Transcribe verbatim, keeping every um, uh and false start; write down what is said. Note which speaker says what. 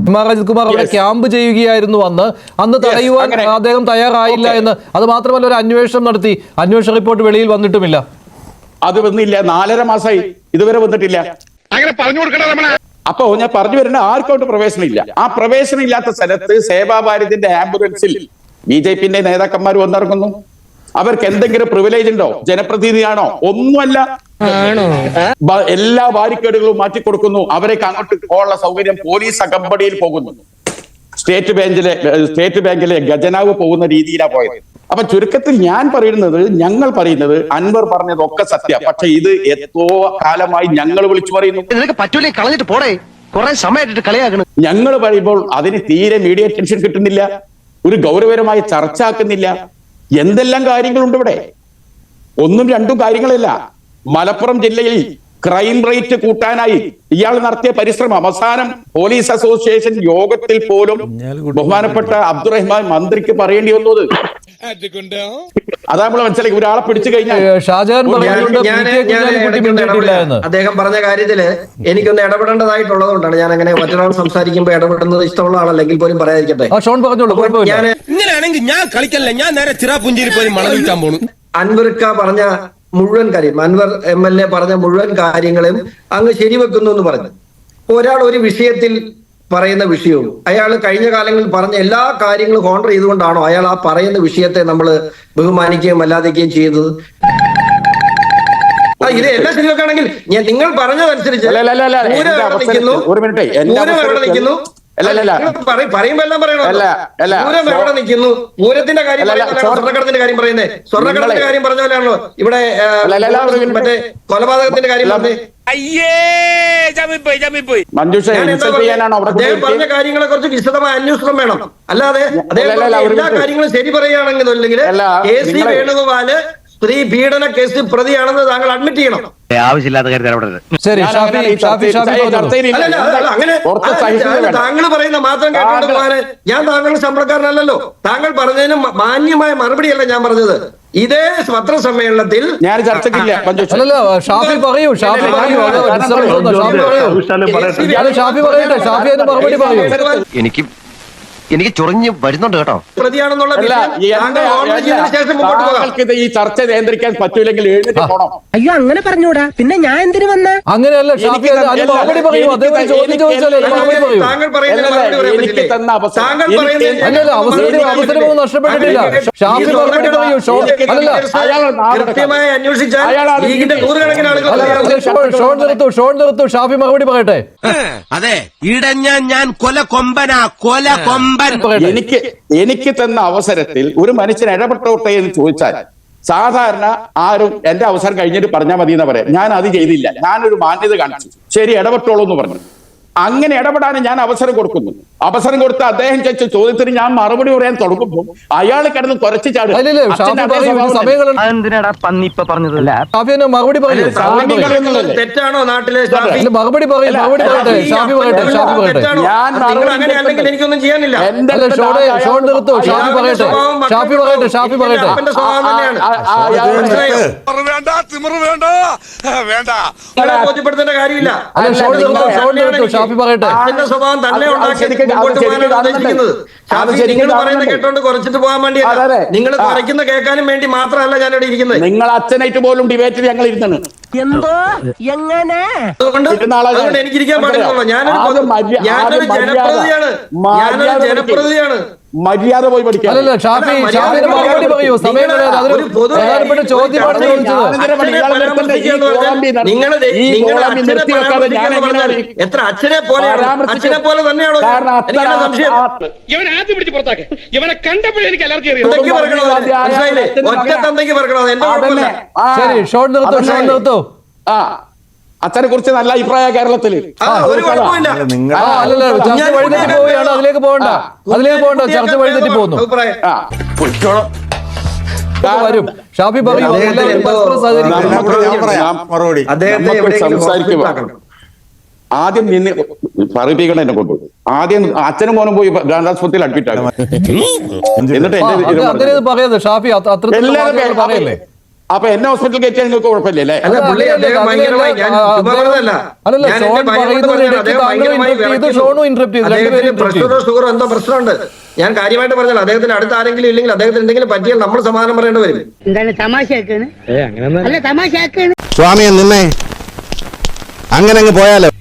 Speaker 1: അജിത് കുമാർ അവിടെ ക്യാമ്പ് ചെയ്യുകയായിരുന്നു അന്ന് അന്ന് തടയുവാൻ അദ്ദേഹം തയ്യാറായില്ല എന്ന്. അത് മാത്രമല്ല, ഒരു അന്വേഷണം നടത്തി, അന്വേഷണ റിപ്പോർട്ട് വെളിയിൽ വന്നിട്ടുമില്ല.
Speaker 2: അത് വന്നില്ല, നാലര മാസമായി ഇതുവരെ വന്നിട്ടില്ല.
Speaker 3: അങ്ങനെ പറഞ്ഞു കൊടുക്കണം.
Speaker 2: അപ്പോ ഞാൻ പറഞ്ഞു വരുന്ന ആർക്കോട്ട് പ്രവേശനം ഇല്ല. ആ പ്രവേശനം ഇല്ലാത്ത സ്ഥലത്ത് സേവാഭാരതിന്റെ ആംബുലൻസിൽ ബി ജെ പിന്റെ നേതാക്കന്മാർ വന്നിറങ്ങുന്നു. അവർക്ക് എന്തെങ്കിലും പ്രിവിലേജ് ഉണ്ടോ? ജനപ്രതിനിധിയാണോ? ഒന്നുമല്ല. എല്ലാ ബാരിക്കേഡുകളും മാറ്റിക്കൊടുക്കുന്നു. അവരേക്ക് അങ്ങോട്ട് പോകാനുള്ള സൗകര്യം പോലീസ് അകമ്പടിയിൽ പോകുന്നു. സ്റ്റേറ്റ് ബാങ്കിലെ സ്റ്റേറ്റ് ബാങ്കിലെ ഖജനാവ് പോകുന്ന രീതിയിലാണ് പോയത്. അപ്പൊ ചുരുക്കത്തിൽ ഞാൻ പറയുന്നത്, ഞങ്ങൾ പറയുന്നത് അൻവർ പറഞ്ഞതൊക്കെ സത്യം. പക്ഷെ ഇത് എത്രോ കാലമായി ഞങ്ങൾ വിളിച്ചു പറയുന്നു.
Speaker 4: പറ്റൂലേ, കളഞ്ഞിട്ട് പോടേ, കുറെ സമയമായിട്ട് കളിയാക്കണം.
Speaker 2: ഞങ്ങൾ പറയുമ്പോൾ അതിന് തീരെ മീഡിയ അറ്റൻഷൻ കിട്ടുന്നില്ല, ഒരു ഗൗരവകരമായ ചർച്ച ആക്കുന്നില്ല. എന്തെല്ലാം കാര്യങ്ങളുണ്ട് ഇവിടെ. ഒന്നും രണ്ടും കാര്യങ്ങളല്ല. മലപ്പുറം ജില്ലയിൽ ക്രൈം റേറ്റ് കൂട്ടാനായി ഇയാൾ നടത്തിയ പരിശ്രമം അവസാനം പോലീസ് അസോസിയേഷൻ യോഗത്തിൽ പോലും ബഹുമാനപ്പെട്ട അബ്ദുറഹ്മാൻ മന്ത്രിക്ക് പറയേണ്ടി വന്നത്. അതാ നമ്മൾ മനസ്സിലാക്കി. ഒരാളെ പിടിച്ചു കഴിഞ്ഞാൽ
Speaker 5: അദ്ദേഹം പറഞ്ഞ കാര്യത്തില് എനിക്കൊന്ന് ഇടപെടേണ്ടതായിട്ടുള്ളത് കൊണ്ടാണ് ഞാൻ അങ്ങനെ മറ്റൊരാൾ സംസാരിക്കുമ്പോൾ ഇടപെടുന്നത് ഇഷ്ടമുള്ള ആളല്ലെങ്കിൽ പോലും പറയാതിരിക്കട്ടെ.
Speaker 6: ഞാൻ ഇങ്ങനെയാണെങ്കിൽ ഞാൻ കളിക്കല്ല, ഞാൻ നേരെ ചിറാപുഞ്ചിയിൽ പോയി മണം വിൽക്കാൻ പോണു.
Speaker 5: അൻവർക്ക പറഞ്ഞ മുഴുവൻ കാര്യം, അൻവർ എം എൽ എ പറഞ്ഞ മുഴുവൻ കാര്യങ്ങളും അങ്ങ് ശരിവെക്കുന്നു എന്ന് പറഞ്ഞു. ഒരാൾ ഒരു വിഷയത്തിൽ പറയുന്ന വിഷയവും അയാൾ കഴിഞ്ഞ കാലങ്ങളിൽ പറഞ്ഞ എല്ലാ കാര്യങ്ങളും കോൺട്ര ചെയ്തുകൊണ്ടാണോ അയാൾ ആ പറയുന്ന വിഷയത്തെ നമ്മൾ ബഹുമാനിക്കുകയും അല്ലാതിക്കുകയും ചെയ്തത്? ഇത് എല്ലാം ശരിവെക്കുകയാണെങ്കിൽ ഞാൻ നിങ്ങൾ പറഞ്ഞതനുസരിച്ച് നിൽക്കുന്നു പറയുമ്പോ എല്ലാം പറയണോ? പൂരം നിൽക്കുന്നു. പൂരത്തിന്റെ കാര്യം സ്വർണ്ണക്കടത്തിന്റെ കാര്യം പറയുന്നേ, സ്വർണ്ണക്കടത്തിന്റെ കാര്യം പറഞ്ഞ പോലെയാണല്ലോ ഇവിടെ മറ്റേ കൊലപാതകത്തിന്റെ കാര്യം പറഞ്ഞേ. അദ്ദേഹം പറഞ്ഞ കാര്യങ്ങളെ കുറിച്ച് വിശദമായ അന്വേഷണം വേണം. അല്ലാതെ അദ്ദേഹം എല്ലാ കാര്യങ്ങളും ശരി പറയുകയാണെങ്കിൽ അല്ലെങ്കിൽ കെ സി വേണുഗോപാല് സ്ത്രീ പീഡന കേസ് പ്രതിയാണെന്ന് താങ്കൾ അഡ്മിറ്റ് ചെയ്യണം.
Speaker 4: ആവശ്യമില്ലാത്ത കാര്യം
Speaker 5: അങ്ങനെ താങ്കൾ പറയുന്ന മാത്രം കേട്ടോണ്ട് പോകാന് ഞാൻ താങ്കളുടെ ശമ്പളക്കാരനല്ലല്ലോ. താങ്കൾ പറഞ്ഞതിന് മാന്യമായ മറുപടിയല്ല ഞാൻ പറഞ്ഞത്. ഇതേ പത്രസമ്മേളനത്തിൽ
Speaker 1: ഞാൻ ചർച്ചയ്ക്കില്ല. ഷാഫി പറയൂ, ഷാഫി പറയൂ, ഷാഫി പറയട്ടെ, ഷാഫി അതിന് മറുപടി പറയൂ.
Speaker 4: എനിക്ക് എനിക്ക് ചൊറിഞ്ഞ് വരുന്നുണ്ട് കേട്ടോ.
Speaker 5: പ്രതിയാണെന്നുള്ള
Speaker 2: ഈ ചർച്ച നിയന്ത്രിക്കാൻ പറ്റൂലെങ്കിൽ എഴുന്നേറ്റ് പോണം.
Speaker 7: അയ്യോ അങ്ങനെ പറഞ്ഞൂടാ, പിന്നെ ഞാൻ എന്തിനു വന്ന?
Speaker 1: അങ്ങനെയല്ല ഷാഫി, മറുപടി പറയൂ. അദ്ദേഹം ചോദ്യം ചോദിച്ചാലേ മറുപടി പറയൂ. അല്ലല്ല, അവസരം അവസരമൊന്നും നഷ്ടപ്പെട്ടിട്ടില്ല. ഷാഫി മറുപടി പറയൂ.
Speaker 5: കൃത്യമായി അന്വേഷിച്ചാൽ
Speaker 1: ഷോൺ നിർത്തു, ഷോൺ നിർത്തു. ഷാഫി മറുപടി പറയട്ടെ.
Speaker 6: അതെ, ഇടഞ്ഞ ഞാൻ കൊല കൊമ്പനാ, കൊല കൊമ്പൻ.
Speaker 2: എനിക്ക് എനിക്ക് തന്ന അവസരത്തിൽ ഒരു മനുഷ്യൻ ഇടപെട്ടോട്ടെ എന്ന് ചോദിച്ചാൽ സാധാരണ ആരും എന്റെ അവസരം കഴിഞ്ഞിട്ട് പറഞ്ഞാൽ മതി എന്ന് പറയാം. ഞാൻ അത് ചെയ്തില്ല, ഞാനൊരു മാന്യത കാണിച്ചു, ശരി ഇടപെട്ടോളൂ എന്ന് പറഞ്ഞു. അങ്ങനെ ഇടപെടാൻ ഞാൻ അവസരം കൊടുക്കുന്നു. അവസരം കൊടുത്ത അദ്ദേഹം ചോദിച്ച ചോദ്യത്തിന് ഞാൻ മറുപടി പറയാൻ തുടങ്ങുമ്പോൾ അയാൾ കിടന്ന് കുറച്ച് ചാടും.
Speaker 5: തെറ്റാണോ നാട്ടിലെ
Speaker 1: മറുപടി പറയും? മറുപടി പറയട്ടെ, ഷാഫി പറയട്ടെ, ഷാഫി പറയട്ടെ.
Speaker 5: എനിക്കൊന്നും ചെയ്യാനില്ല.
Speaker 1: ഷോൺ നിർത്തു, ഷാഫി പറയട്ടെ, ഷാഫി പറയട്ടെ, ഷാഫി പറയട്ടെ.
Speaker 5: ബോധ്യപ്പെടുത്തേണ്ട കാര്യമില്ല.
Speaker 1: ഷാഫി പറയട്ടെ.
Speaker 5: അതിന്റെ സ്വഭാവം തന്നെ നിങ്ങൾ പറയുന്ന കേട്ടോണ്ട് കുറച്ചിട്ട് പോകാൻ വേണ്ടി നിങ്ങൾ കുറയ്ക്കുന്ന കേൾക്കാനും വേണ്ടി മാത്രമല്ല ഞാനിവിടെ ഇരിക്കുന്നത്.
Speaker 2: നിങ്ങൾ അച്ഛനായിട്ട് പോലും ഡിബേറ്റിൽ ഞങ്ങൾ ഇരുന്നാണ്.
Speaker 7: എന്തോ എങ്ങനെ
Speaker 5: അതുകൊണ്ട് എനിക്കിരിക്കാൻ പാടില്ലല്ലോ. ഞാനൊരു ഞാനൊരു ജനപ്രതിയാണ്, ഞാനൊരു ജനപ്രതിയാണ്.
Speaker 2: മര്യാദ പോയി പഠിക്കാം.
Speaker 1: അല്ലല്ല ഷാഫി, ഷാഫിന്റെ മറുപടി പറയൂ. സമയം പ്രധാനപ്പെട്ട ചോദ്യമാണ് ചോദിച്ചത്.
Speaker 5: എത്ര അച്ഛനെ പോലെ അച്ഛനെ പോലെ തന്നെയാണോ? സംശയം.
Speaker 3: ഇവനെ ആദ്യം പിടിച്ച് പുറത്താക്കെ. ഇവനെ കണ്ടപ്പോഴേ എനിക്ക് അലർജി അറിയാം.
Speaker 5: ഒറ്റ തന്തയ്ക്ക് പറക്കണോ? എന്റെ കുഴപ്പമില്ല.
Speaker 1: ശരി, ഷോൺ നിർത്തു, ഷോൺ നിർത്തു.
Speaker 2: ആ അച്ഛനെ കുറിച്ച് നല്ല അഭിപ്രായം കേരളത്തിൽ.
Speaker 1: ചർച്ച വഴിതെറ്റി പോവുകയാണ്. അതിലേക്ക് പോകണ്ട, അതിലേക്ക് പോകണ്ട. ചർച്ച വഴിതെറ്റി പോകുന്നു. വരും ഷാഫി പറയൂ.
Speaker 2: സംസാരിക്കുമ്പോ ആദ്യം നിന്ന് പറയിപ്പിക്കണം എന്നെ കൊണ്ട്. ആദ്യം അച്ഛനും മോനും പോയി ഗാന്ധാസ്പത്രിയിൽ അഡ്മിറ്റ് ആകും. എന്നിട്ട്
Speaker 1: അങ്ങനെ പറയാതെ ഷാഫി അത്ര പറയല്ലേ.
Speaker 2: അപ്പൊ എന്നെ ഹോസ്പിറ്റലിൽ കയറ്റിയാൽ നിങ്ങൾക്ക് കുഴപ്പമില്ലല്ലേ?
Speaker 5: അല്ല പുള്ളി അദ്ദേഹം ഭയങ്കരമായി ഞാൻ ചുമ്മാ പറഞ്ഞതല്ല.
Speaker 1: അല്ലല്ല,
Speaker 5: ഞാൻ
Speaker 1: ഷോൺ
Speaker 5: എന്റെ ഭയം കൊണ്ട്
Speaker 1: പറയുന്നത്
Speaker 5: പറഞ്ഞതാണ്. അദ്ദേഹം
Speaker 1: താങ്കൾ
Speaker 5: ഭയങ്കരമായി
Speaker 1: interrupt ചെയ്തു,
Speaker 5: വിറയ്ക്കുന്നു.
Speaker 1: ഷോണും interrupt ചെയ്തു.
Speaker 5: അദ്ദേഹത്തിന്
Speaker 1: രണ്ടുപേരും interrupt
Speaker 5: പ്രഷറോ ഷുഗറോ എന്തോ പ്രശ്നമുണ്ട്. ഞാൻ കാര്യമായിട്ട് പറഞ്ഞാൽ അദ്ദേഹത്തിന് അടുത്ത ആരെങ്കിലും ഇല്ലെങ്കിൽ അദ്ദേഹത്തിന് എന്തെങ്കിലും പറ്റിയാൽ നമ്മൾ സമാധാനം പറയേണ്ടി വരും.
Speaker 7: എന്താണ് തമാശയാക്കാണ്? അല്ല തമാശയാക്കാണ്.
Speaker 8: സ്വാമിയെ നിന്നെ അങ്ങനെ അങ്ങ് പോയാലോ.